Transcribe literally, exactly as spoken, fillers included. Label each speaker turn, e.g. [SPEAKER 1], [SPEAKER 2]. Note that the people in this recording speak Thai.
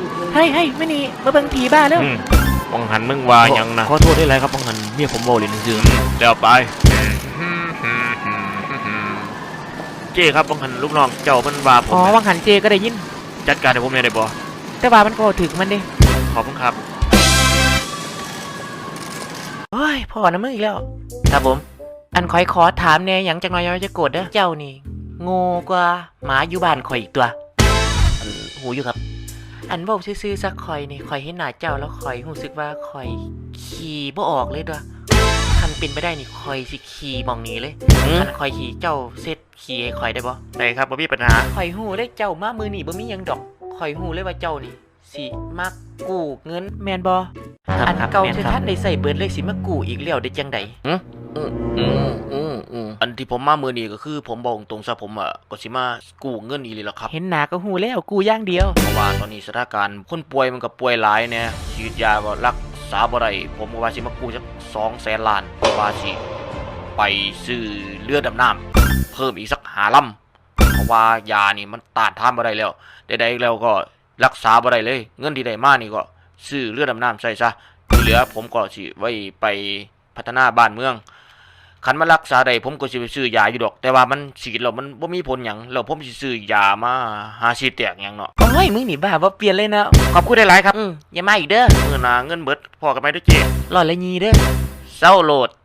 [SPEAKER 1] ให้ให้ไม่นี่มาเบิ่งผีบ้าแล้ว
[SPEAKER 2] บังหันมึงว่ายังนะ
[SPEAKER 1] ขอโทษได้ไรครับบังหันเมียผมโบลินซื่อ
[SPEAKER 2] เดี๋ยวไปเจ้ครับบังหันลูกน้องเจ้ามันว่าผม
[SPEAKER 1] อ๋อบังหันเจก็ได้ยิน
[SPEAKER 2] จัดการให้ผมได้บ่
[SPEAKER 1] แต่ว่ามันก็ถึกมันดิ
[SPEAKER 2] ขอบคุณครับ
[SPEAKER 1] เฮ้ยพ่อนะมึงอีกแล้วครับผมอันคอยขอถามแน่หยังจังน้อยจะโกรธเด้อเจ้านี่โง่กว่าหมาอยู่บ้านข่อยอีกตัวอันหูอยู่ครับอันบอกซื่อๆสักข่อยนี่ข่อยเห็นหน้าเจ้าแล้วข่อยรู้สึกว่าข่อยขี่บ่ออกเลยด้วยคันเป็นไปได้นี่ข่อยสิขี่มองนี้เลยคันข่อยขี่เจ้าเซตขี่ให้ข่อยได้บ่
[SPEAKER 2] ได้ครับบ่มีปัญหา
[SPEAKER 1] ข่อยหู้เลยเจ้ามามือนี่บ่มีหยังดอกข่อยหู้เลยว่าเจ้านี่สิมักกู้เงินแม่นบ่อันเก่าที่ท่านได้ใส่เบิดเลยสิมากู้อีกแล้วได้จังได๋
[SPEAKER 2] อืออืออืออืออันที่ผมมามื้อนี้ก็คือผมบอกตรงซะผมอ่ะก็สิมากู้เงินอีหลีล่ะครับ
[SPEAKER 1] เห็นหน้าก็หู้แล้วกู้อย่างเดียว
[SPEAKER 2] เพราะว่าตอนนี้สถานการณ์คนป่วยมันก็ป่วยหลายแน่ฉีดยาบ่รักษาบ่ได้ผมก็ว่าสิมากู้จัก สองแสน ล้านว่าสิไปซื้อเรือดำน้ำเพิ่มอีกสักห้าลำเพราะว่ายานี่มันต้านทานบ่ได้แล้วใดๆแล้วก็รักษาบ่ได้เลยเงินที่ได้มานี่ก็ซื้อเรือดำน้ำใส่ซะที่เหลือผมก็สิไว้ไปพัฒนาบ้านเมืองคันมารักษาได้ผมก็สิไปซื้อยาอยู่ดอกแต่ว่ามันฉีดแล้วมันบ่มีผลหยังแล้วผมสิซื้อยามาหาฉีดแตกหยังเนาะ
[SPEAKER 1] โอ้ยมึงนี่บ้าบ่เปลี่ยนเลยนะ
[SPEAKER 2] ขอบคุณหลายๆครับ
[SPEAKER 1] อืออย่ามาอีกเด้อ
[SPEAKER 2] มื้อหน้าเงินเบิดพอกันไหมเด้อเจ๊
[SPEAKER 1] ร้อยละยี่เด้อ
[SPEAKER 2] เซาโหลด